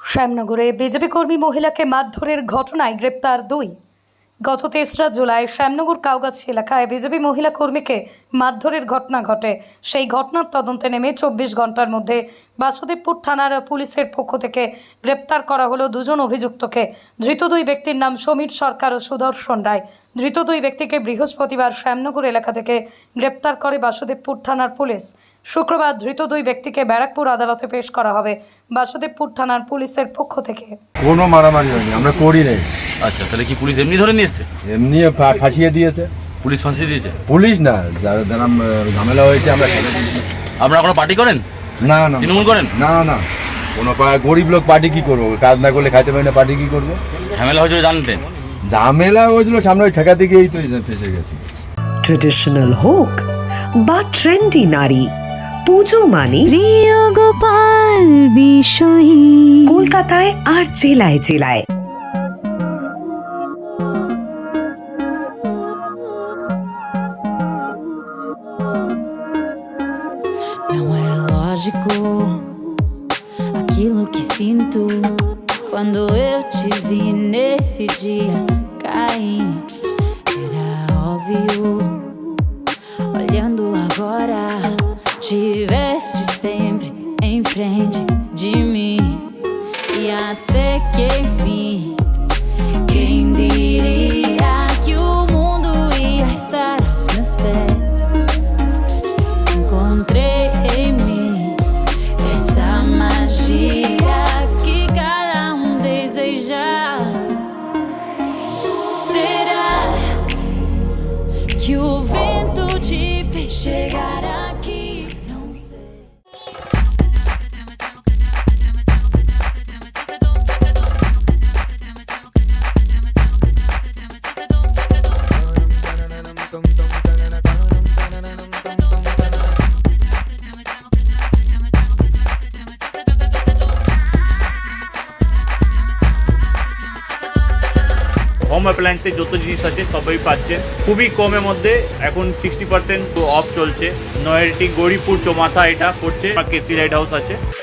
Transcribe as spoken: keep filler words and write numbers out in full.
শ্যামনগরে BJP কর্মী মহিলাকে মারধরের ঘটনায় গ্রেপ্তার দুই। গত তেসরা জুলাই শ্যামনগর কাউগাছি এলাকায় বিজেপি মহিলা কর্মীকে মারধরের ঘটনা ঘটে। সেই ঘটনার তদন্তে নেমে চব্বিশ ঘন্টার মধ্যে বাসুদেবপুর থানার পুলিশের পক্ষ থেকে গ্রেপ্তার করা হলো দুজন অভিযুক্তকে। ধৃত দুই ব্যক্তির নাম সমীর সরকার ও সুদর্শন রায়। ধৃত দুই ব্যক্তিকে বৃহস্পতিবার শ্যামনগর এলাকা থেকে গ্রেপ্তার করে বাসুদেবপুর থানার পুলিশ। শুক্রবার ধৃত দুই ব্যক্তিকে ব্যারাকপুর আদালতে পেশ করা হবে বাসুদেবপুর থানার পুলিশের পক্ষ থেকে। কোনো মারামারি হয়নি, আমরা করি নাই। আচ্ছা, তাহলে কি পুলিশ এমনি ধরে নিয়ে এসছে? এমনি ফা- ফাঁসিয়ে দিয়েছে। পুলিশ ফাঁসিয়ে দিয়েছে? পুলিশ না, যারা যারা ঝামেলা হয়েছে আমরা ছেড়ে দিয়েছি। আপনারা কোনো পার্টি করেন? না না তৃণমূল করেন? না না, কোনো পা- গরিব লোক পার্টি কি করবো? কাজ না করলে খাইতে পারি না, পার্টি কি করবো? ঝামেলা হয়েছিল জানতেন? ঝামেলা হয়েছিল সামনে ওই ঠেকা দিকেই তো ফেসে গেছি। ট্রেডিশনাল হোক বা ট্রেন্ডি নারী, পুজো মানে প্রিয় গোপাল বিষয়ী কলকাতায় আর জেলায় জেলায়। Não é lógico aquilo que sinto quando eu te vi nesse dia cair. Era óbvio, olhando agora, tiveste sempre em frente de mim. E até que enfim, quem diria que o mundo ia estar aos meus pés? Encontrei em mim essa magia que cada um deseja. Será que o vento te fez chegar aqui? Não sei. Home অ্যাপ্লায়েন্সের যত জিনিস আছে সবই পাচ্ছেন খুবই কমের মধ্যে। এখন সিক্সটি পার্সেন্ট অফ চলছে। নয়ারটি গৌরীপুর চৌমাথা এটা পড়ছে, কেসি লাইট হাউস আছে।